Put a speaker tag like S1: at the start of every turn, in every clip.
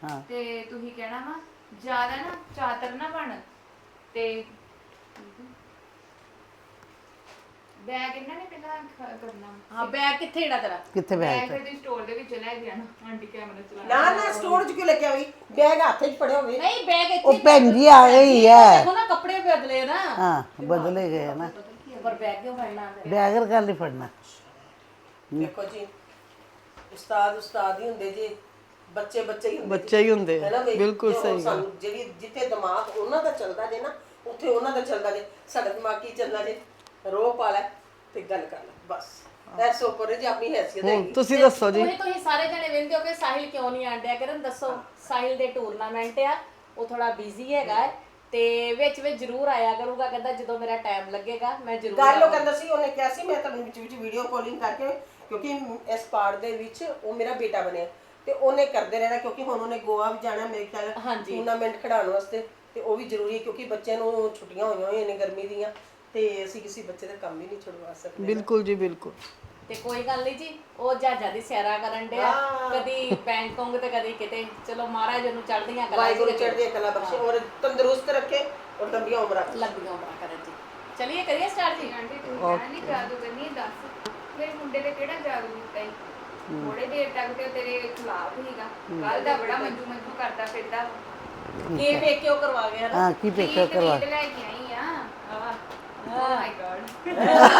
S1: ਤੇ ਤੁਸੀਂ ਕਹਿਣਾ ਵਾ ਜ਼ਿਆਦਾ ਨਾ ਚਾਤਰ ਨਾ ਬਣ ਤੇ ਬੈਗ ਇਹਨਾਂ ਨੇ ਪਹਿਲਾਂ ਕਰਨਾ
S2: ਹਾਂ ਬੈਗ ਕਿੱਥੇ ਜਿਹੜਾ ਤੇਰਾ
S3: ਕਿੱਥੇ ਬੈਗ
S1: ਫਿਰ ਦੀ ਸਟੋਰ ਦੇ ਵਿੱਚ ਲੈ ਗਿਆ ਨਾ ਆਂਟੀ ਕੈਮਰਾ ਚਲਾ
S4: ਨਾ ਸਟੋਰ 'ਚ ਕਿਉਂ ਲੈ ਕੇ ਆਈ ਬੈਗ ਹੱਥ 'ਚ ਫੜਿਆ ਹੋਵੇ
S2: ਨਹੀਂ ਬੈਗ ਇੱਥੇ
S3: ਉਹ ਭੈਣ ਜੀ ਆ ਗਈ ਹੈ
S2: ਦੇਖੋ ਨਾ ਕੱਪੜੇ ਬਦਲੇ ਨਾ
S3: ਹਾਂ ਬਦਲੇ ਗਏ ਨਾ
S2: ਪਰ ਬੈਗ ਕਿਉਂ ਫੜਨਾ
S3: ਬੈਗ ਕਰ ਨਹੀਂ ਫੜਨਾ
S4: ਦੇਖੋ ਜੀ ਉਸਤਾਦ ਹੀ ਹੁੰਦੇ ਜੀ ਬੱਚੇ ਹੀ ਹੁੰਦੇ
S5: ਬੱਚੇ ਹੀ ਹੁੰਦੇ
S4: ਹੈ ਨਾ ਬਈ?
S5: ਬਿਲਕੁਲ
S4: ਜੋ
S5: ਸਹੀ ਗੱਲ
S4: ਸਾਨੂੰ ਜਿਹੜੀ ਜਿੱਥੇ ਦਿਮਾਗ ਉਹਨਾਂ ਦਾ ਚੱਲਦਾ ਜੇ ਨਾ ਉੱਥੇ ਉਹਨਾਂ ਦਾ ਚੱਲਦਾ ਜੇ ਸਾਡਾ ਦਿਮਾਗ ਕੀ ਚੱਲਦਾ ਜੇ ਰੋ ਪਾ ਲੈ ਤੇ ਗੱਲ ਕਰ ਲੈ ਬਸ ਐਸ ਉੱਪਰ ਜੀ ਆਪਣੀ ਹੈਸੀਅਤ
S5: ਹੁਣ
S4: ਹੈਗੀ
S5: ਤੁਸੀਂ ਦੱਸੋ ਜੀ
S2: ਤੁਸੀਂ ਸਾਰੇ ਜਣੇ ਵੇਖਦੇ ਹੋ ਕਿ ਸਾਹਿਲ ਕਿਉਂ ਨਹੀਂ ਆਂਡਿਆ ਕਰਨ ਦੱਸੋ ਸਾਹਿਲ ਦੇ ਟੂਰਨਾਮੈਂਟ ਆ ਉਹ ਥੋੜਾ ਬਿਜ਼ੀ ਹੈਗਾ ਹੈ ਤੇ ਵਿੱਚ ਜ਼ਰੂਰ ਆਇਆ ਕਰੂਗਾ ਕਹਿੰਦਾ ਜਦੋਂ ਮੇਰਾ ਟਾਈਮ ਲੱਗੇਗਾ ਮੈਂ ਜ਼ਰੂਰ
S4: ਗੱਲ ਉਹ ਕਹਿੰਦਾ ਸੀ ਉਹਨੇ ਕਿਹਾ ਸੀ ਮੈਂ ਤੁਹਾਨੂੰ ਵਿੱਚ ਵੀਡੀਓ ਕਾਲਿੰਗ ਕਰਕੇ ਕਿਉਂਕਿ ਇਸ ਪਾਰਟ ਦੇ ਵਿੱਚ ਉਹ ਮੇਰਾ ਬੇਟਾ ਬਣਿਆ ਤੇ ਉਹਨੇ ਕਰਦੇ ਰਹਿਣਾ ਕਿਉਂਕਿ ਹੁਣ ਉਹਨੇ ਗੋਆ ਵੀ ਜਾਣਾ ਮੇਰੇ ਖਿਆਲ ਟੂਰਨਾਮੈਂਟ ਖਿਡਾਉਣ ਵਾਸਤੇ ਤੇ ਉਹ ਵੀ ਜ਼ਰੂਰੀ ਹੈ ਕਿਉਂਕਿ ਬੱਚਿਆਂ ਨੂੰ ਛੁੱਟੀਆਂ ਹੋਈਆਂ ਨੇ ਗਰਮੀ ਦੀਆਂ ਤੇ ਅਸੀਂ ਕਿਸੇ ਬੱਚੇ ਦਾ ਕੰਮ ਵੀ ਨਹੀਂ ਛੁਡਵਾ ਸਕਦੇ
S5: ਬਿਲਕੁਲ ਜੀ ਬਿਲਕੁਲ
S2: ਤੇ ਕੋਈ ਗੱਲ ਨਹੀਂ ਜੀ ਉਹ ਜਹਾਜ਼ਾਂ ਦੀ ਸੈਰਾ ਕਰਨ ਡਿਆ ਕਦੀ ਬੈਂਕਾਕ ਤੇ ਕਦੀ ਕਿਤੇ ਚਲੋ ਮਹਾਰਾਜ ਨੂੰ ਚੜ੍ਹਦੀਆਂ ਕਲਾ
S4: ਵਾਹਿਗੁਰੂ ਚੜ੍ਹਦੀਆਂ ਕਲਾ ਬਖਸ਼ੇ ਔਰ ਤੰਦਰੁਸਤ ਰੱਖੇ ਔਰ ਲੰਬੀਆਂ ਉਮਰਾਂ
S2: ਲੰਬੀਆਂ ਉਮਰਾਂ ਕਰਨ ਜੀ ਚਲਿਏ ਕਰੀਏ ਸਟਾਰਟ ਜੀ
S1: ਆਂਟੀ ਤੂੰ ਕਹਿਣਾ ਨਹੀਂ ਜਾਦੂ ਕਰਨੀ ਦੱਸ ਮੇਰੇ ਮੁੰਡੇ ਦੇ ਕਿਹੜਾ ਜਾਦੂ ਕੀਤਾ ਈ ਥੋੜੇ ਦੇਰ ਤੱਕ ਤੇ ਤੇਰੇ ਖਿਲਾਫ ਹੀਗਾ ਕੱਲ ਦਾ ਬੜਾ ਮੰਜੂ ਕਰਦਾ ਫਿਰਦਾ
S2: ਕੀ ਵੇਖ ਕੇ ਉਹ ਕਰਵਾ ਗਿਆ ਨਾ
S3: ਹਾਂ ਕੀ ਪੇਕਾ ਕਰਵਾ
S1: ਲੈ ਕੇ ਆਈ ਆ ਓ ਮਾਈ ਗॉड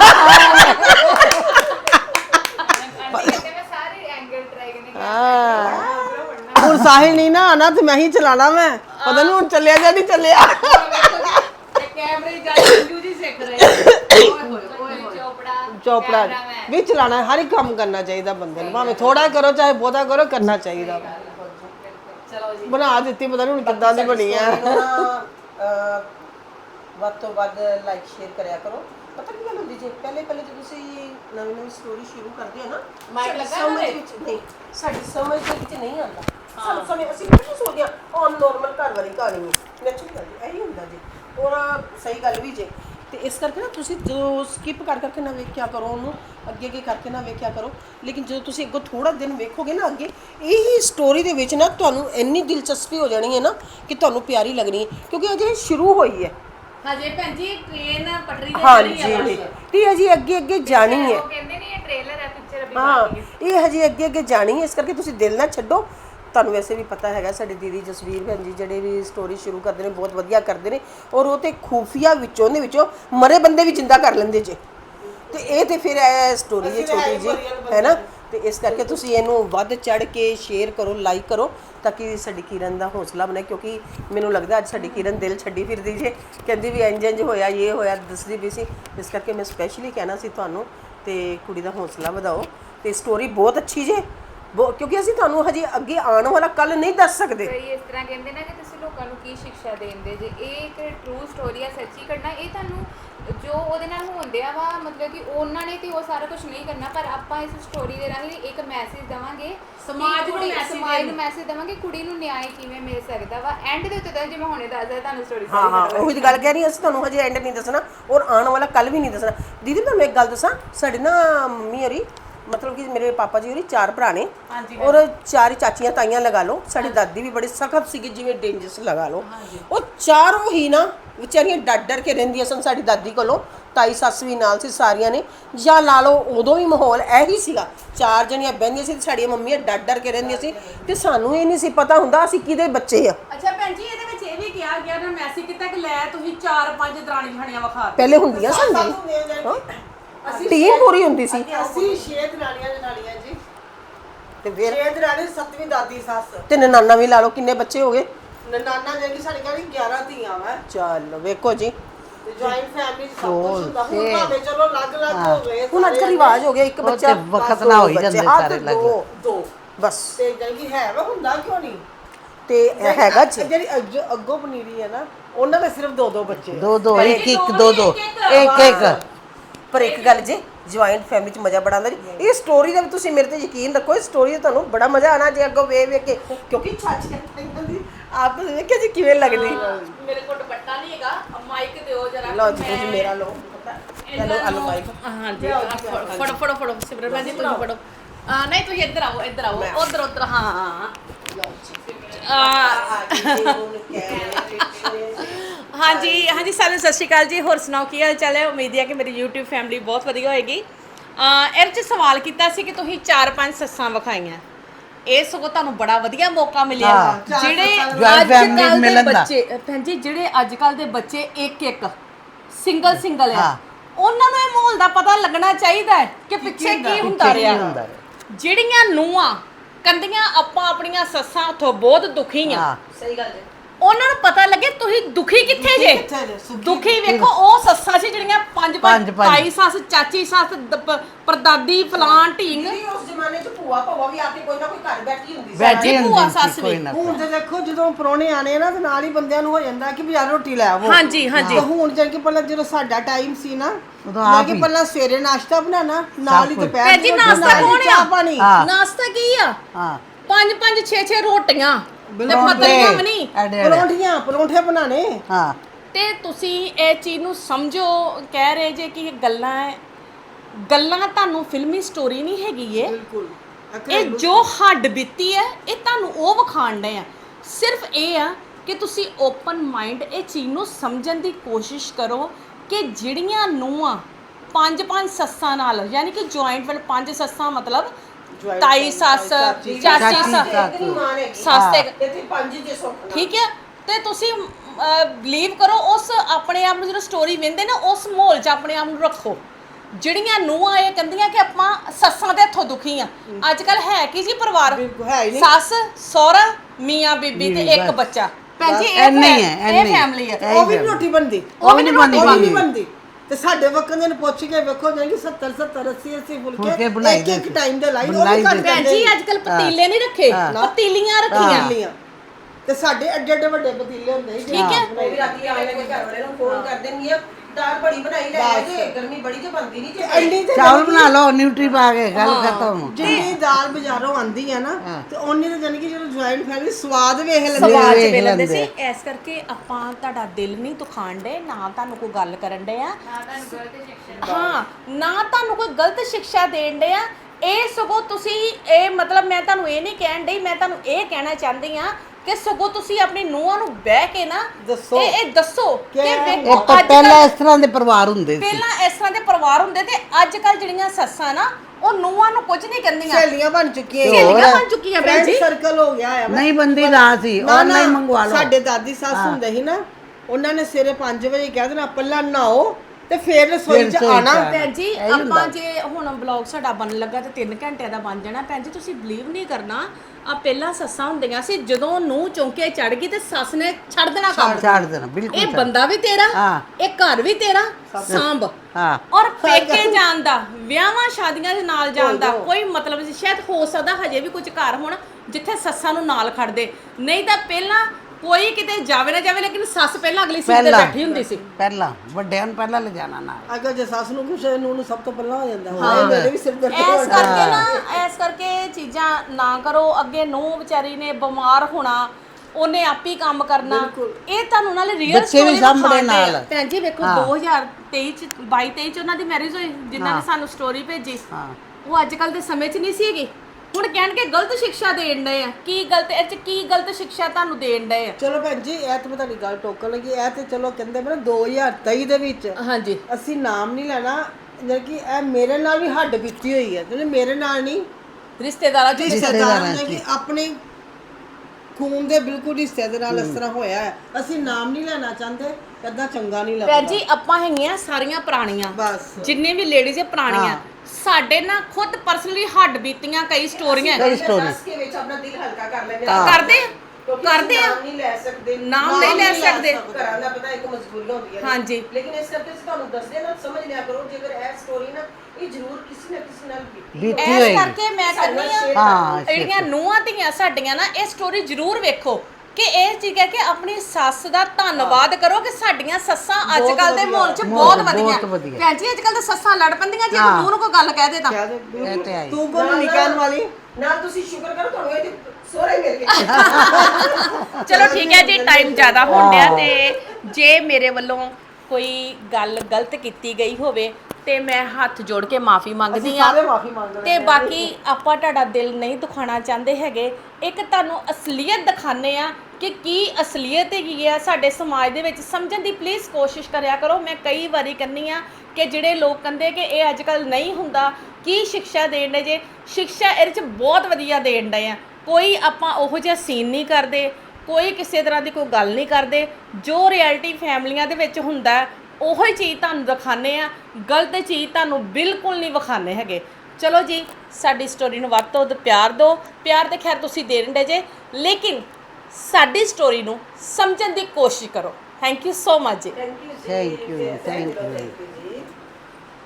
S1: ਆਂਟੀ ਮੈਂ ਸਾਰੇ ਐਂਗਲ ਟਰਾਈ ਕਰਨੇ
S5: ਹੁਣ ਸਾਹਿਲ ਨਹੀਂ ਨਾ ਆਣਾ ਤੇ ਮੈਂ ਹੀ ਚਲਾਣਾ ਮੈਂ ਪਤਾ ਨਹੀਂ ਹੁਣ ਚੱਲਿਆ ਜਾਂ ਨਹੀਂ ਚੱਲਿਆ
S2: ਤੇ ਕੈਮਰੇ ਜਾ ਸੰਜੂ ਜੀ ਸਿੱਖ ਰਹੇ ਓਏ ਹੋਏ
S5: ਚੋਪੜਾ ਵੀ ਚਲਾਣਾ ਹਰ ਇੱਕ ਕੰਮ ਕਰਨਾ ਚਾਹੀਦਾ ਬੰਦੇ ਨੂੰ ਭਾਵੇਂ ਥੋੜਾ ਕਰੋ ਚਾਹੇ ਬਹੁਤਾ ਕਰੋ ਕਰਨਾ ਚਾਹੀਦਾ
S2: ਚਲੋ ਜੀ
S5: ਬਣਾ ਦਿੱਤੀ ਪਤਾ ਨਹੀਂ ਹੁਣ ਕਿੱਦਾਂ ਦੀ ਬਣੀ ਆ
S4: ਵੱਧ ਤੋਂ ਵੱਧ ਲਾਈਕ ਸ਼ੇਅਰ ਕਰਿਆ ਕਰੋ ਪਤਾ ਕੀ ਗੱਲ ਹੁੰਦੀ ਜੇ ਪਹਿਲੇ ਜਦੋਂ ਤੁਸੀਂ ਨਵੀਂ ਸਟੋਰੀ ਸ਼ੁਰੂ ਕਰਦੇ ਹੋ ਨਾ
S2: ਮਾਈਕ ਲੱਗਾ
S4: ਸਮਝ
S2: ਹੋਵੇ?
S4: ਵਿੱਚ ਨਹੀਂ ਸਾਡੀ ਸਮਝ ਦੇ ਵਿੱਚ ਨਹੀਂ ਆਉਂਦਾ ਸਾਨੂੰ ਸਮੇਂ ਅਸੀਂ ਕਿਉਂ ਸੋਚਦੇ ਆ ਉਹ ਨੋਰਮਲ ਘਰ ਵਾਲੀ ਕਹਾਣੀ ਹੈ ਨੈਚੁਰਲ ਗੱਲ ਜੀ ਇਹੀ ਹੁੰਦਾ ਜੀ ਔਰ ਸਹੀ ਗੱਲ ਵੀ ਜੇ ਤੇ ਇਸ ਕਰਕੇ ਨਾ ਤੁਸੀਂ ਜੋ ਸਕਿਪ ਕਰਕੇ ਨਾ ਵੇਖਿਆ ਕਰੋ ਉਹਨੂੰ ਅੱਗੇ ਕਰਕੇ ਨਾ ਵੇਖਿਆ ਕਰੋ ਲੇਕਿਨ ਜਦੋਂ ਤੁਸੀਂ ਅੱਗੋਂ ਥੋੜਾ ਦਿਨ ਵੇਖੋਗੇ ਨਾ ਅੱਗੇ ਇਹੀ ਸਟੋਰੀ ਦੇ ਵਿੱਚ ਨਾ ਤੁਹਾਨੂੰ ਇੰਨੀ ਦਿਲਚਸਪੀ ਹੋ ਜਾਣੀ ਹੈ ਨਾ ਕਿ ਤੁਹਾਨੂੰ ਪਿਆਰੀ ਲੱਗਣੀ ਹੈ ਕਿਉਂਕਿ ਅਜੇ ਸ਼ੁਰੂ ਹੋਈ ਹੈ
S2: ਹਜੇ ਭੈਣ ਜੀ ਟ੍ਰੇਨ ਪਟਰੀ ਤੇ
S4: ਹਾਂਜੀ ਤੇ ਅਜੇ ਅੱਗੇ ਜਾਣੀ ਹੈ
S1: ਉਹ ਕਹਿੰਦੇ ਨਹੀਂ ਇਹ ਟ੍ਰੇਲਰ ਹੈ ਪਿਕਚਰ ਅਭੀ
S4: ਹਾਂ ਇਹ ਹਜੇ ਅੱਗੇ ਜਾਣੀ ਹੈ ਇਸ ਕਰਕੇ ਤੁਸੀਂ ਦਿਲ ਨਾ ਛੱਡੋ ਤੁਹਾਨੂੰ ਵੈਸੇ ਵੀ ਪਤਾ ਹੈਗਾ ਸਾਡੀ ਦੀਦੀ ਜਸਵੀਰ ਭੈਣ ਜੀ ਜਿਹੜੇ ਵੀ ਸਟੋਰੀ ਸ਼ੁਰੂ ਕਰਦੇ ਨੇ ਬਹੁਤ ਵਧੀਆ ਕਰਦੇ ਨੇ ਔਰ ਉਹ ਤੇ ਖੂਫੀਆ ਵਿੱਚੋਂ ਦੇ ਵਿੱਚੋਂ ਮਰੇ ਬੰਦੇ ਵੀ ਜਿੰਦਾ ਕਰ ਲੈਂਦੇ ਜੇ ਤੇ ਇਹ ਤੇ ਫਿਰ ਇਹ ਸਟੋਰੀ ਹੈ ਛੋਟੀ ਜੀ ਹੈ ਨਾ ਤੇ ਇਸ ਕਰਕੇ ਤੁਸੀਂ ਇਹਨੂੰ ਵੱਧ ਚੜ ਕੇ ਸ਼ੇਅਰ ਕਰੋ ਲਾਈਕ ਕਰੋ ਤਾਂ ਕਿ ਸਾਡੀ ਕਿਰਨ ਦਾ ਹੌਸਲਾ ਬਣੇ ਕਿਉਂਕਿ ਮੈਨੂੰ ਲੱਗਦਾ ਅੱਜ ਸਾਡੀ ਕਿਰਨ ਦਿਲ ਛੱਡੀ ਫਿਰਦੀ ਜੇ ਕਹਿੰਦੀ ਵੀ ਇੰਜ ਹੋਇਆ ਇਹ ਹੋਇਆ ਦੱਸਦੀ ਵੀ ਸੀ ਇਸ ਕਰਕੇ ਮੈਂ ਸਪੈਸ਼ਲੀ ਕਹਿਣਾ ਸੀ ਤੁਹਾਨੂੰ ਤੇ ਕੁੜੀ ਦਾ ਹੌਸਲਾ ਵਧਾਓ ਤੇ ਸਟੋਰੀ ਬਹੁਤ ਅੱਛੀ ਜੇ ਕਿਉਂਕਿ ਅਸੀਂ ਤੁਹਾਨੂੰ ਹਜੇ ਅੱਗੇ ਆਉਣ ਵਾਲਾ ਕੱਲ ਨਹੀਂ ਦੱਸ ਸਕਦੇ
S1: ਕਈ ਇਸ ਤਰ੍ਹਾਂ ਕਹਿੰਦੇ ਨਾ ਕਿ ਤੁਸੀਂ ਲੋਕਾਂ ਨੂੰ ਕੀ ਸਿੱਖਿਆ ਦੇਂਦੇ ਜੇ ਇਹ ਇੱਕ ਟਰੂ ਸਟੋਰੀ ਆ ਸੱਚੀ ਘਟਨਾ ਇਹ ਤੁਹਾਨੂੰ ਜੋ ਉਹਦੇ ਨਾਲ ਹੁੰਦਿਆ ਵਾ ਮਤਲਬ ਕਿ ਉਹਨਾਂ ਨੇ ਤੇ ਉਹ ਸਾਰਾ ਕੁਝ ਨਹੀਂ ਕਰਨਾ ਪਰ ਆਪਾਂ ਇਸ ਸਟੋਰੀ ਦੇ ਰਾਹੀਂ ਇੱਕ ਮੈਸੇਜ ਦਵਾਂਗੇ
S2: ਸਮਾਜ ਨੂੰ
S1: ਮੈਸੇਜ ਦਵਾਂਗੇ ਕੁੜੀ ਨੂੰ ਨਿਆਂ ਕਿਵੇਂ ਮਿਲ ਸਕਦਾ ਵਾ ਐਂਡ ਦੇ ਉੱਤੇ ਤਾਂ ਜਿਵੇਂ ਹੁਣੇ ਦੱਸਦਾ ਤੁਹਾਨੂੰ ਸਟੋਰੀ
S4: ਹਾਂ ਉਹੀ ਗੱਲ ਕਹਿ ਰਹੀ ਅਸੀਂ ਤੁਹਾਨੂੰ ਹਜੇ ਐਂਡ ਨਹੀਂ ਦੱਸਣਾ ਔਰ ਆਉਣ ਵਾਲਾ ਕੱਲ ਵੀ ਨਹੀਂ ਦੱਸਣਾ ਦੀਦੀ ਤੁਹਾਨੂੰ ਇੱਕ ਗੱਲ ਦੱਸਾਂ ਸਾਡੇ ਨਾ ਮੰਮੀ ਹੋਰੀ ਮਤਲਬ ਕਿ ਮੇਰੇ ਪਾਪਾ ਜੀ ਹੋਰੀ 4 ਭਰਾ ਨੇ ਔਰ 4 ਚਾਚੀਆਂ ਤਾਈਆਂ ਲਗਾ ਲਓ ਸਾਡੀ ਦਾਦੀ ਵੀ ਬੜੀ ਸਖਤ ਸੀਗੀ ਜਿਵੇਂ ਡੇਂਜਰਸ ਲਗਾ ਲਓ ਉਹ ਚਾਰੋਂ ਹੀ ਨਾ ਵਿਚਾਰੀਆਂ ਡਰ ਕੇ ਰਹਿੰਦੀਆਂ ਸਨ ਸਾਡੀ ਦਾਦੀ ਕੋਲੋਂ ਤਾਈ ਸੱਸ ਵੀ ਨਾਲ ਸੀ ਸਾਰੀਆਂ ਨੇ ਜਾਂ ਲਾ ਲਓ ਉਦੋਂ ਵੀ ਮਾਹੌਲ ਇਹੀ ਸੀਗਾ 4 ਜਣੀਆਂ ਬਹਿੰਦੀਆਂ ਸੀ ਤੇ ਸਾਡੀਆਂ ਮੰਮੀਆਂ ਡਰ ਕੇ ਰਹਿੰਦੀਆਂ ਸੀ ਤੇ ਸਾਨੂੰ ਇਹ ਨਹੀਂ ਸੀ ਪਤਾ ਹੁੰਦਾ ਅਸੀਂ ਕਿਹਦੇ ਬੱਚੇ ਆ
S2: ਅੱਛਾ ਭੈਣ ਜੀ ਇਹਦੇ ਵਿੱਚ ਇਹ ਵੀ ਕਿਹਾ ਗਿਆ ਨਾ ਮੈਸੇਜ ਕੀਤਾ ਕਿ ਲੈ ਤੁਸੀਂ 4-5 ਦਰਾਣੀ ਜਹਾਨੀਆਂ ਵਿਖਾ
S4: ਪਹਿਲੇ ਹੁੰਦੀਆਂ ਸਨ ਜੀ ਅਸੀਂ ਟੀਮ ਪੂਰੀ ਹੁੰਦੀ ਸੀ
S6: ਅਸੀਂ 6 ਦਰਾਣੀਆਂ ਜੀ
S4: ਤੇ ਫਿਰ
S6: 6 ਦਰਾਣੀ 7ਵੀਂ ਦਾਦੀ ਸੱਸ
S4: ਤੇ ਨਨਾਨਾ ਵੀ ਲਾ ਲਓ ਕਿੰਨੇ ਬੱਚੇ ਹੋ ਗਏ
S6: ਨਾਨਾ ਜਿਹੜੀ ਸਾਡੇ ਘਰ 11 ਧੀਆਂ ਵਾ
S4: ਚੱਲ ਵੇਖੋ ਜੀ
S6: ਤੇ ਜੁਆਇੰਟ ਫੈਮਿਲੀ ਚ ਸਭ ਕੁਝ ਹੁੰਦਾ ਹੁਣ ਭਾਵੇਂ ਚਲੋ ਅਲੱਗ ਹੋ ਗਏ
S4: ਹੁਣ ਅੱਜ ਕੱਲ੍ਹ ਰਿਵਾਜ ਹੋ ਗਿਆ ਇੱਕ ਬੱਚਾ
S3: ਵਕਤ ਨਾ ਹੋਈ ਜਾਂਦੇ ਸਾਰੇ ਲੱਗ
S6: ਦੋ
S4: ਬਸ
S6: ਤੇ ਜਿਹੜੀ ਹੈ ਵਾ ਹੁੰਦਾ ਕਿਉਂ ਨਹੀਂ
S4: ਤੇ ਹੈਗਾ ਜੀ
S6: ਜਿਹੜੀ ਅੱਗੋਂ ਪਨੀਰੀ ਹੈ ਨਾ ਉਹਨਾਂ ਦੇ ਸਿਰਫ ਦੋ ਬੱਚੇ
S3: ਦੋ ਇੱਕ
S4: ਪਰ ਇੱਕ ਗੱਲ ਜੀ ਜੁਆਇੰਟ ਫੈਮਿਲੀ ਚ ਮਜ਼ਾ ਬੜਾ ਆਉਂਦਾ ਜੀ ਇਹ ਸਟੋਰੀ ਦਾ ਵੀ ਤੁਸੀਂ ਮੇਰੇ ਤੇ ਯਕੀਨ ਰੱਖੋ ਇਸ ਸਟੋਰੀ ਦਾ ਤੁਹਾਨੂੰ ਬੜਾ ਮਜ਼ਾ ਆਣਾ ਜੇ ਅੱਗੋਂ ਵੇਖ ਕੇ ਕਿਉਂਕਿ ਚਾਚੀ ਕਹਿੰਦੀ ਆਪ ਤੁਸੀਂ ਵੇਖਿਆ ਜੀ ਕਿਵੇਂ ਲੱਗਦੀ
S2: ਮੇਰੇ ਕੋਲ ਦੁਪੱਟਾ ਨਹੀਂ ਹੈਗਾ ਮਾਈਕ ਦਿਓ ਜਰਾ
S4: ਲਓ ਜੀ ਤੁਸੀਂ ਮੇਰਾ ਲਓ ਚਲੋ ਆਲੂ ਮਾਈਕ
S2: ਹਾਂਜੀ ਫੜੋ ਸਿਮਰਨ ਜੀ ਤੁਸੀਂ ਫੜੋ ਨਹੀਂ ਤੁਸੀਂ ਇੱਧਰ ਆਓ ਉਧਰ ਹਾਂ ਹਾਂਜੀ ਹਾਂਜੀ ਸਾਰਿਆਂ ਨੂੰ ਸਤਿ ਸ਼੍ਰੀ ਅਕਾਲ ਜੀ। ਹੋਰ ਸੁਣਾਓ ਕੀ ਹਾਲ ਚਾਲ ਹੈ? ਉਮੀਦ ਹੈ ਕਿ ਮੇਰੀ YouTube ਫੈਮਿਲੀ ਬਹੁਤ ਵਧੀਆ ਹੋਏਗੀ। ਇਹਦੇ 'ਚ ਸਵਾਲ ਕੀਤਾ ਸੀ ਕਿ ਤੁਸੀਂ 4-5 ਸੱਸਾਂ ਵਿਖਾਈਆਂ। ਇਹ ਸਗੋਂ ਤੁਹਾਨੂੰ ਬੜਾ ਵਧੀਆ ਮੌਕਾ ਮਿਲਿਆ।
S3: ਹਾਂ,
S2: ਜਿਹੜੇ
S3: joint
S2: ਅੱਜ
S3: family
S2: ਕੱਲ੍ਹ ਦੇ
S3: ਮਿਲਣ ਦਾ।
S2: ਬੱਚੇ ਭੈਣ ਜੀ, ਜਿਹੜੇ ਅੱਜ ਕੱਲ੍ਹ ਦੇ ਬੱਚੇ ਇੱਕ ਸਿੰਗਲ ਆ,
S3: ਹਾਂ।
S2: ਉਹਨਾਂ ਨੂੰ ਇਹ ਮਾਹੌਲ ਦਾ ਪਤਾ ਲੱਗਣਾ ਚਾਹੀਦਾ ਹੈ ਕਿ ਪਿੱਛੇ ਕੀ ਹੁੰਦਾ
S3: ਕੀ
S2: ਰਿਹਾ।
S3: ਹੁੰਦਾ ਰਿਹਾ।
S2: ਜਿਹੜੀਆਂ ਨੂੰਹਾਂ ਕਹਿੰਦੀਆਂ ਆਪਾਂ ਆਪਣੀਆਂ ਸੱਸਾਂ ਉੱਥੋਂ ਬਹੁਤ ਦੁਖੀ ਆ,
S3: ਹਾਂ
S4: ਸਹੀ ਗੱਲ ਹੈ।
S2: ਉਹਨਾਂ ਨੂੰ ਪਤਾ ਲੱਗੇ ਤੁਸੀਂ ਦੁਖੀ ਕਿੱਥੇ ਜੇ।
S6: ਕਿੱਥੇ ਜੇ? ਸੁਖੀ
S2: ਦੁਖੀ ਵੇਖੋ ਉਹ ਸੱਸਾਂ ਸੀ ਜਿਹੜੀਆਂ ਪੰਜ
S3: ਪੰਜ।
S2: ਤਾਈ ਸੱਸ, ਚਾਚੀ ਸੱਸ, ਪਰਦਾਦੀ, ਫਲਾਣ ਢੀਂਗ।
S4: ਦੀਦੀ ਉਸ ਜ਼ਮਾਨੇ 'ਚ ਭੂਆ ਵੀ ਆ ਕੇ ਕੋਈ ਨਾ ਕੋਈ ਘਰ ਬੈਠੀ ਹੁੰਦੀ ਸੀ।
S3: ਬੈਠੀ
S2: ਭੂਆ
S3: ਹੁੰਦੀ
S2: ਸੱਸ
S3: ਸੀ
S2: ਵੀ।
S3: ਕੋਈ ਨਾ
S6: ਹੁਣ ਤੇ ਦੇਖੋ ਜਦੋਂ ਪਰੋਣੇ ਆਣੇ ਨਾ ਤੇ ਨਾਲ ਹੀ ਬੰਦਿਆਂ ਨੂੰ ਹੋ ਜਾਂਦਾ ਕਿ ਬਾਜ਼ਾਰ ਰੋਟੀ ਲੈ ਆਵੋ।
S2: ਹਾਂਜੀ, ਹਾਂਜੀ।
S6: ਤੇ ਹੁਣ ਜੇ ਕਿ ਪਹਿਲਾਂ ਜਦੋਂ ਸਾਡਾ ਟਾਈਮ ਸੀ ਨਾ,
S3: ਉਦੋਂ
S6: ਜਾਂ
S3: ਆਪ
S6: ਕਿ
S3: ਹੀ।
S6: ਪਹਿਲਾਂ ਸਵੇਰੇ ਨਾਸ਼ਤਾ ਬਣਾਉਣਾ, ਨਾਲ ਹੀ
S3: ਕੁਝ।
S6: ਦੁਪਹਿਰ
S2: ਭੈਣ ਜੀ,
S6: ਦੀ ਰੋਟੀ,
S2: ਨਾਸ਼ਤਾ
S6: ਨਾਲ ਹੀ
S2: ਕੌਣ ਆ?
S6: ਚਾਹ ਪਾਣੀ।
S3: ਹਾਂ।
S2: ਨਾਸ਼ਤਾ ਕੀ ਆ?
S3: ਹਾਂ
S2: 5-5 6-6 ਰੋਟੀਆਂ ਤੇ
S3: ਪਰੌਂਠੇ,
S2: ਪਤਲੀਆਂ ਵੀ ਨਹੀਂ।
S3: ਐਡੇ ਐਡੇ।
S6: ਪਰੌਂਠੇ ਬਣਾਣੇ।
S3: ਹਾਂ
S2: ਤੇ ਤੁਸੀਂ ਇਹ ਚੀਜ਼ ਨੂੰ ਸਮਝੋ, ਕਹਿ ਰਹੇ ਜੇ ਕਿ ਇਹ ਗੱਲਾਂ ਤੁਹਾਨੂੰ ਫਿਲਮੀ ਸਟੋਰੀ ਨਹੀਂ ਹੈਗੀ ਏ।
S6: ਬਿਲਕੁਲ
S2: ਇਹ ਜੋ ਹੱਡ ਬੀਤੀ ਹੈ ਇਹ ਤੁਹਾਨੂੰ ਉਹ ਵਿਖਾਣ ਡਏ ਆ। ਸਿਰਫ ਇਹ ਆ ਕਿ ਤੁਸੀਂ ਓਪਨ ਮਾਈਂਡ ਇਹ ਚੀਜ਼ ਨੂੰ ਸਮਝਣ ਦੀ ਕੋਸ਼ਿਸ਼ ਕਰੋ ਕਿ ਜਿਹੜੀਆਂ ਨੂੰਹਾਂ 5-5 ਸੱਸਾਂ ਨਾਲ, ਯਾਨੀ ਕਿ ਜੁਆਇੰਟ ਵੈਲ 5 ਸੱਸਾਂ ਮਤਲਬ ਤਾਈ ਸੱਸ, ਚਾਚੀ ਸੱਸ, ਸੱਸ ਤੇ
S4: ਇੱਥੇ 5 ਜੇ ਸੁੱਖ
S2: ਠੀਕ ਹੈ। ਤੇ ਤੁਸੀਂ ਬਲੀਵ ਕਰੋ ਉਸ ਆਪਣੇ ਆਪ ਨੂੰ ਜਦੋਂ ਸਟੋਰੀ ਵੇਂਦੇ ਨਾ ਉਸ ਮਾਹੌਲ 'ਚ ਆਪਣੇ ਆਪ ਨੂੰ ਰੱਖੋ। ਜਿਹੜੀਆਂ ਨੂੰਹਾਂ ਇਹ ਕਹਿੰਦੀਆਂ ਕਿ ਆਪਾਂ ਸੱਸਾਂ ਦੇ ਹੱਥੋਂ ਦੁਖੀ ਆ। ਅੱਜ ਕੱਲ ਹੈ ਕੀ ਜੀ ਪਰਿਵਾਰ?
S6: ਬਿਲਕੁਲ ਹੈ ਹੀ ਨਹੀਂ।
S2: ਸੱਸ, ਸਹੁਰਾ, ਮੀਆਂ ਬੀਬੀ ਤੇ ਇੱਕ
S3: ਬਸ।
S2: ਬੱਚਾ। ਭੈਣ ਜੀ
S3: ਇੰਨੇ ਹੀ ਹੈ,
S2: ਇਹ
S3: ਇੰਨੇ ਹੀ।
S2: ਫੈਮਿਲੀ ਹੈ।
S6: ਉਹ ਵੀ ਨੀ ਰੋਟੀ ਬਣਦੀ।
S3: ਉਹ ਵੀ ਨਹੀਂ ਬਣਦੀ
S6: ਉਹ ਵੀ
S3: ਬਣਦੀ।
S6: ਨਹੀਂ ਬਣਦੀ। ਤੇ ਸਾਡੇ ਵਕਤ ਦੇ ਨੂੰ ਪੁੱਛ ਕੇ ਵੇਖੋ ਜਾਏਗੀ 70 80
S3: ਫੁਲਕੇ
S6: ਫੁਲਕੇ
S3: ਬਣਾਈ ਦੇ
S6: ਇੱਕ
S3: ਸੀ।
S6: ਟਾਈਮ ਦੇ ਲਾਈ ਉਹ
S3: ਬਣਾਈ
S6: ਵੀ ਘੱਟ
S3: ਦੇ।
S2: ਭੈਣ ਜੀ ਅੱਜ ਕੱਲ ਪਤੀਲੇ ਨਹੀਂ ਰੱਖੇ, ਪਤੀਲੀਆਂ ਰੱਖੀਆਂ।
S6: ਲੀਆਂ ਤੇ ਸਾਡੇ ਐਡੇ ਐਡੇ ਵੱਡੇ ਪਤੀਲੇ ਹੁੰਦੇ ਸੀ।
S2: ਠੀਕ ਹੈ।
S4: ਉਹ ਵੀ ਰਾਤੀ ਆਣ ਲੱਗੇ ਘਰ ਵਾਲੇ ਨੂੰ ਫੋਨ ਕਰ ਦਿੰਦੀ ਆ, ਦਾਲ ਬੜੀ ਬਣਾਈ ਲੈ ਆਏ ਜੇ, ਗਰਮੀ ਬੜੀ ਜੇ ਬਣਦੀ ਨਹੀਂ ਜੇ।
S6: ਐਡੀ ਤੇ
S3: ਚਾਵਲ ਬਣਾ ਲਓ, ਨਿਊਟਰੀ ਪਾ ਕੇ, ਗੱਲ ਖਤਮ।
S6: ਜਿੰਨੀ ਦਾਲ ਬਾਜ਼ਾਰੋਂ ਆਂਦੀ ਆ ਨਾ, ਤੇ ਓਨੀ ਤਾਂ ਜਾਨੀ ਕਿ ਜਦੋਂ ਜੁਆਇੰਟ ਫੈਮਿਲੀ ਸਵਾਦ ਵੇਖ ਲੈਂਦੇ
S2: ਸਵਾਦ
S3: ਵੇਖ
S2: ਵੇ ਲੈਂਦੇ
S3: ਲੈਂਦੇ
S2: ਸੀ। ਇਸ ਕਰਕੇ ਆਪਾਂ ਤੁਹਾਡਾ ਦਿਲ ਨਹੀਂ ਦੁਖਾਣ ਡੇ, ਨਾ ਤੁਹਾਨੂੰ ਕੋਈ ਗੱਲ ਕਰਨ ਡੇ ਆ, ਹਾਂ ਨਾ ਤੁਹਾਨੂੰ ਕੋਈ ਗਲਤ ਸਿੱਖਿਆ ਦੇਣ ਡੇ ਆ। ਇਹ ਸਗੋਂ ਤੁਸੀਂ ਇਹ ਮਤਲਬ ਮੈਂ ਤੁਹਾਨੂੰ ਇਹ ਨਹੀਂ ਕਹਿਣ ਡਈ, ਮੈਂ ਤੁਹਾਨੂੰ ਇਹ ਕਹਿਣਾ ਚਾਹੁੰਦੀ ਆ ਕਿ ਸਗੋਂ ਤੁਸੀਂ ਆਪਣੀ ਨੂੰਹਾਂ ਨੂੰ ਬਹਿ ਕੇ ਨਾ
S6: ਦੱਸੋ।
S2: ਇਹ ਦੱਸੋ ਕਿ ਵੇਖੋ
S3: ਉਹ
S2: ਅੱਜ
S3: ਪਹਿਲਾਂ ਇਸ ਤਰ੍ਹਾਂ ਦੇ ਪਰਿਵਾਰ ਹੁੰਦੇ ਸੀ।
S2: ਪਹਿਲਾਂ ਇਸ ਤਰ੍ਹਾਂ ਦੇ ਪਰਿਵਾਰ ਹੁੰਦੇ ਤੇ ਅੱਜ ਕੱਲ ਜਿਹੜੀਆਂ ਸੱਸਾਂ ਨਾ ਉਹ ਨੂੰਹਾਂ ਨੂੰ ਕੁਝ ਨਹੀਂ ਕਹਿੰਦੀਆਂ,
S6: ਸਹੇਲੀਆਂ ਬਣ ਚੁੱਕੀਆਂ
S2: ਸਹੇਲੀਆਂ ਬਣ ਚੁੱਕੀਆਂ ਭੈਣ
S6: ਫਰੈਂਡ
S2: ਜੀ।
S6: ਸਰਕਲ ਹੋ ਗਿਆ ਆ।
S3: ਨਹੀਂ ਬੰਦੀ ਰਾਤ ਸੀ, ਆਨਲਾਈਨ ਮੰਗਵਾ ਲਓ।
S6: ਸਾਡੇ ਦਾਦੀ ਸੱਸ ਹੁੰਦੇ ਸੀ ਨਾ, ਉਹਨਾਂ ਨੇ ਸਵੇਰੇ 5 ਵਜੇ ਕਹਿ ਦੇਣਾ ਪਹਿਲਾਂ ਨਹਾਓ ਤੇ ਫਿਰ ਰਸੋਈ 'ਚ ਆਣਾ।
S2: ਭੈਣ ਜੀ ਆਪਾਂ ਜੇ ਹੁਣ ਵਲੌਗ ਸਾਡਾ ਬਣਨ ਲੱਗਾ ਤੇ 3 ਘੰਟਿਆਂ ਦਾ ਬਣ ਜਾਣਾ। ਭੈਣ ਜੀ ਤੁਸੀਂ ਬਲੀਵ ਨਹੀਂ ਕਰਨਾ, ਆ ਪਹਿਲਾਂ ਸੱਸਾਂ ਹੁੰਦੀਆਂ ਸੀ, ਜਦੋਂ ਨੂੰਹ ਚੌਂਕੇ ਚੜ ਗਈ ਤੇ ਸੱਸ ਨੇ ਛੱਡ ਦੇਣਾ ਕੰਮ।
S3: ਛੱਡ ਦੇਣਾ ਬਿਲਕੁਲ।
S2: ਇਹ ਬੰਦਾ ਵੀ ਤੇਰਾ,
S3: ਹਾਂ।
S2: ਇਹ ਘਰ ਵੀ ਤੇਰਾ, ਸਾਂਭ।
S3: ਹਾਂ
S2: ਔਰ ਪੇਕੇ ਜਾਣ ਦਾ, ਵਿਆਹਾਂ ਸ਼ਾਦੀਆਂ ਦੇ ਨਾਲ ਜਾਣ ਦਾ ਕੋਈ ਮਤਲਬ ਨਹੀਂ। ਸ਼ਾਇਦ ਹੋ ਸਕਦਾ ਹਜੇ ਵੀ ਕੁਝ ਘਰ ਹੋਣ ਜਿੱਥੇ ਸੱਸਾਂ ਨੂੰ ਨਾਲ ਖੜਦੇ, ਨਹੀਂ ਤਾਂ ਪਹਿਲਾਂ ਕੋਈ ਕਿਤੇ ਜਾਵੇ ਨਾ ਜਾਵੇ ਲੇਕਿਨ ਸੱਸ ਪਹਿਲਾਂ ਅਗਲੀ ਸੀਟ ਤੇ ਬੈਠੀ ਹੁੰਦੀ ਸੀ।
S3: ਪਹਿਲਾਂ ਵੱਡਿਆਂ ਨੂੰ ਪਹਿਲਾਂ ਲਿਜਾਣਾ ਨਾਲ।
S6: ਅਗਰ ਜੇ ਸੱਸ ਨੂੰ ਕੁਛ ਨੂੰ ਸਭ ਤੋਂ ਪਹਿਲਾਂ ਹੋ ਜਾਂਦਾ ਹਾਂ ਮੇਰੇ ਵੀ ਸਿਰ ਦਰਦ
S2: ਇਸ ਕਰਕੇ ਨਾ, ਇਸ ਕਰਕੇ ਇਹ ਚੀਜ਼ਾਂ ਨਾ ਕਰੋ। ਅੱਗੇ ਨੂੰਹ ਵਿਚਾਰੀ ਨੇ ਬਿਮਾਰ ਹੋਣਾ, ਉਹਨੇ ਆਪ ਹੀ ਕੰਮ ਕਰਨਾ। ਇਹ ਤੁਹਾਨੂੰ ਨਾਲ ਰੀਅਲ
S3: ਬੱਚੇ ਵੀ ਸਾਂਭਣੇ ਨਾਲ।
S2: ਭੈਣ ਜੀ ਵੇਖੋ 2023 ਚ 22-23 ਚ ਉਹਨਾਂ ਦੀ ਮੈਰਿਜ ਹੋਈ, ਜਿਨ੍ਹਾਂ ਨੇ ਸਾਨੂੰ ਸਟੋਰੀ ਭੇਜੀ। ਉਹ ਅੱਜ ਕੱਲ ਦੇ ਸਮੇਂ 'ਚ ਨਹੀਂ ਸੀ ਹੈਗੇ। ਹੁਣ ਕਹਿਣਗੇ ਗਲਤ ਸਿੱਖਿਆ ਦੇਣ ਡਏ ਆ। ਕੀ ਗਲਤ ਇਹ 'ਚ ਕੀ ਗਲਤ ਸਿੱਖਿਆ ਤੁਹਾਨੂੰ ਦੇਣ ਡਏ ਆ?
S6: ਚਲੋ ਭੈਣ ਜੀ, ਇਹ ਤਾਂ ਮੈਂ ਤੁਹਾਡੀ ਗੱਲ ਟੋਕਣ ਲੱਗੀ। ਇਹ ਤੇ ਚਲੋ ਕਹਿੰਦੇ ਮੈਂ 2023 ਦੇ ਵਿੱਚ
S2: ਹਾਂਜੀ
S6: ਅਸੀਂ ਨਾਮ ਨਹੀਂ ਲੈਣਾ, ਜਿਵੇਂ ਕਿ ਇਹ ਮੇਰੇ ਨਾਲ ਵੀ ਹੱਡ ਬੀਤੀ ਹੋਈ ਹੈ। ਤੇ ਮੇਰੇ ਨਾਲ ਨਹੀਂ,
S2: ਰਿਸ਼ਤੇਦਾਰਾਂ ਚ
S6: ਰਿਸ਼ਤੇਦਾਰਾਂ ਨੇ ਕਿ ਆਪਣੇ ਖੂਨ ਦੇ ਬਿਲਕੁਲ ਹਿੱਸੇ ਦੇ ਨਾਲ ਇਸ ਤਰ੍ਹਾਂ ਹੋਇਆ ਹੈ। ਅਸੀਂ ਨਾਮ ਨਹੀਂ ਲੈਣਾ ਚਾਹੁੰਦੇ, ਏਦਾਂ ਚੰਗਾ ਨਹੀਂ ਲੱਗਦਾ।
S2: ਭੈਣ ਜੀ ਆਪਾਂ ਹੈਗੀਆਂ ਸਾਰੀਆਂ ਪੁਰਾਣੀਆਂ,
S6: ਬਸ
S2: ਜਿੰਨੇ ਵੀ ਲੇਡੀਜ਼ ਹੈ ਪੁਰਾਣੀਆਂ। ਸਾਡੇ ਨਾਲ ਖੁਦ ਪਰਸਨਲੀ ਹੱਡ ਬੀਤੀਆਂ ਕਈ ਸਟੋਰੀਆਂ
S3: ਕਈ ਸਟੋਰੀ
S4: ਦੱਸ ਕੇ ਵਿੱਚ ਆਪਣਾ ਦਿਲ ਹਲਕਾ ਕਰ ਲੈਂਦੇ
S2: ਕਰਦੇ
S4: ਕਿਉਂਕਿ
S2: ਕਰਦੇ ਆ।
S4: ਨਾਮ ਨਹੀਂ ਲੈ ਸਕਦੇ,
S2: ਨਾਮ ਨਹੀਂ ਲੈ ਸਕਦੇ।
S4: ਘਰਾਂ ਦਾ ਪਤਾ ਇੱਕ ਮਜਬੂਰੀ ਹੁੰਦੀ ਹੈ ਨਾ।
S2: ਹਾਂਜੀ।
S4: ਲੇਕਿਨ ਇਸ ਕਰਕੇ ਅਸੀਂ ਤੁਹਾਨੂੰ ਦੱਸਦੇ ਨਾ, ਸਮਝ ਲਿਆ ਕਰੋ ਜੇਕਰ ਇਹ ਸਟੋਰੀ ਨਾ ਇਹ ਜ਼ਰੂਰ ਕਿਸੇ ਨਾ ਕਿਸੇ ਨਾਲ ਬੀਤੀ
S3: ਬੀਤੀ
S2: ਇਸ
S3: ਹੋਏਗੀ।
S2: ਕਰਕੇ ਮੈਂ ਕਹਿੰਦੀ ਆ
S3: ਹਾਂ
S2: ਜਿਹੜੀਆਂ ਨੂੰਹਾਂ ਧੀਆਂ ਸਾਡੀਆਂ ਨਾ ਇਹ ਸਟੋਰੀ ਜ਼ਰੂਰ ਵੇਖੋ ਕਿ ਇਹ ਚੀਜ਼ ਹੈ ਕਿ ਆਪਣੀ ਸੱਸ ਦਾ ਧੰਨਵਾਦ ਕਰੋ ਕਿ ਸਾਡੀਆਂ ਸੱਸਾਂ ਅੱਜ ਕੱਲ ਦੇ ਮਾਹੌਲ 'ਚ ਬਹੁਤ ਵਧੀਆ। ਭੈਣ ਜੀ ਅੱਜ ਕੱਲ ਤਾਂ ਸੱਸਾਂ ਲੜ ਪੈਂਦੀਆਂ ਜੇ ਨੂੰਹ ਨੂੰ ਕੋਈ ਗੱਲ ਕਹਿ ਦੇ ਤਾਂ।
S3: ਇਹ ਤੇ ਆਈ।
S6: ਤੂੰ ਕੋਲ ਨਹੀਂ ਕਹਿਣ ਵਾਲੀ
S4: ਨਾਲ ਤੁਸੀਂ ਸ਼ੁਕਰ ਕਰੋ ਤੁਹਾਨੂੰ ਇਹ ਸੋਹਰੇ ਮਿਲ ਗਏ।
S2: ਚਲੋ ਠੀਕ ਹੈ ਜੀ, ਟਾਈਮ ਜ਼ਿਆਦਾ ਹੋਣ ਡਿਆ ਤੇ ਜੇ ਮੇਰੇ ਵੱਲੋਂ ਕੋਈ ਗੱਲ ਗਲਤ ਕੀਤੀ ਗਈ ਹੋਵੇ ਤੇ ਮੈਂ ਹੱਥ ਜੋੜ ਕੇ ਮਾਫੀ ਮੰਗਦੀ ਆ।
S6: ਸਾਰੇ ਮਾਫੀ ਮੰਗ
S2: ਤੇ ਬਾਕੀ ਆਪਾਂ ਤੁਹਾਡਾ ਦਿਲ ਨਹੀਂ ਦੁਖਾਣਾ ਚਾਹੁੰਦੇ ਹੈਗੇ। ਇੱਕ ਤੁਹਾਨੂੰ ਅਸਲੀਅਤ ਦਿਖਾਣੇ ਆ ਕਿ ਕੀ ਅਸਲੀਅਤ ਹੈਗੀ ਆ ਸਾਡੇ ਸਮਾਜ ਦੇ ਵਿੱਚ ਸਮਝਣ ਦੀ ਪਲੀਜ਼ ਕੋਸ਼ਿਸ਼ ਕਰਿਆ ਕਰੋ। ਮੈਂ ਕਈ ਵਾਰੀ ਕਹਿੰਦੀ ਆ ਕਿ ਜਿਹੜੇ ਲੋਕ ਕਹਿੰਦੇ ਕਿ ਇਹ ਅੱਜ ਕੱਲ੍ਹ ਨਹੀਂ ਹੁੰਦਾ, ਕੀ ਸਿੱਖਿਆ ਦੇਣ ਦੇ ਜੇ, ਸਿੱਖਿਆ ਇਹਦੇ 'ਚ ਬਹੁਤ ਵਧੀਆ ਦੇਣ ਦੇ ਆ। ਕੋਈ ਆਪਾਂ ਉਹੋ ਜਿਹਾ ਸੀਨ ਨਹੀਂ ਕਰਦੇ, ਕੋਈ ਕਿਸੇ ਤਰ੍ਹਾਂ ਦੀ ਕੋਈ ਗੱਲ ਨਹੀਂ ਕਰਦੇ। ਜੋ ਰਿਐਲਿਟੀ ਫੈਮਲੀਆਂ ਦੇ ਵਿੱਚ ਹੁੰਦਾ ਉਹੋ ਹੀ ਚੀਜ਼ ਤੁਹਾਨੂੰ ਦਿਖਾਉਂਦੇ ਆ, ਗਲਤ ਚੀਜ਼ ਤੁਹਾਨੂੰ ਬਿਲਕੁਲ ਨਹੀਂ ਵਿਖਾਉਂਦੇ ਹੈਗੇ। ਚਲੋ ਜੀ, ਸਾਡੀ ਸਟੋਰੀ ਨੂੰ ਵੱਧ ਤੋਂ ਵੱਧ ਪਿਆਰ ਦਿਓ। ਪਿਆਰ ਤੇ ਖੈਰ ਤੁਸੀਂ ਦੇ ਦਿੰਦੇ ਜੇ, ਲੇਕਿਨ ਸਾਡੀ ਸਟੋਰੀ ਨੂੰ ਸਮਝਣ ਦੀ ਕੋਸ਼ਿਸ਼ ਕਰੋ। ਥੈਂਕ ਯੂ ਸੋ ਮਚ ਜੀ।
S3: Thank you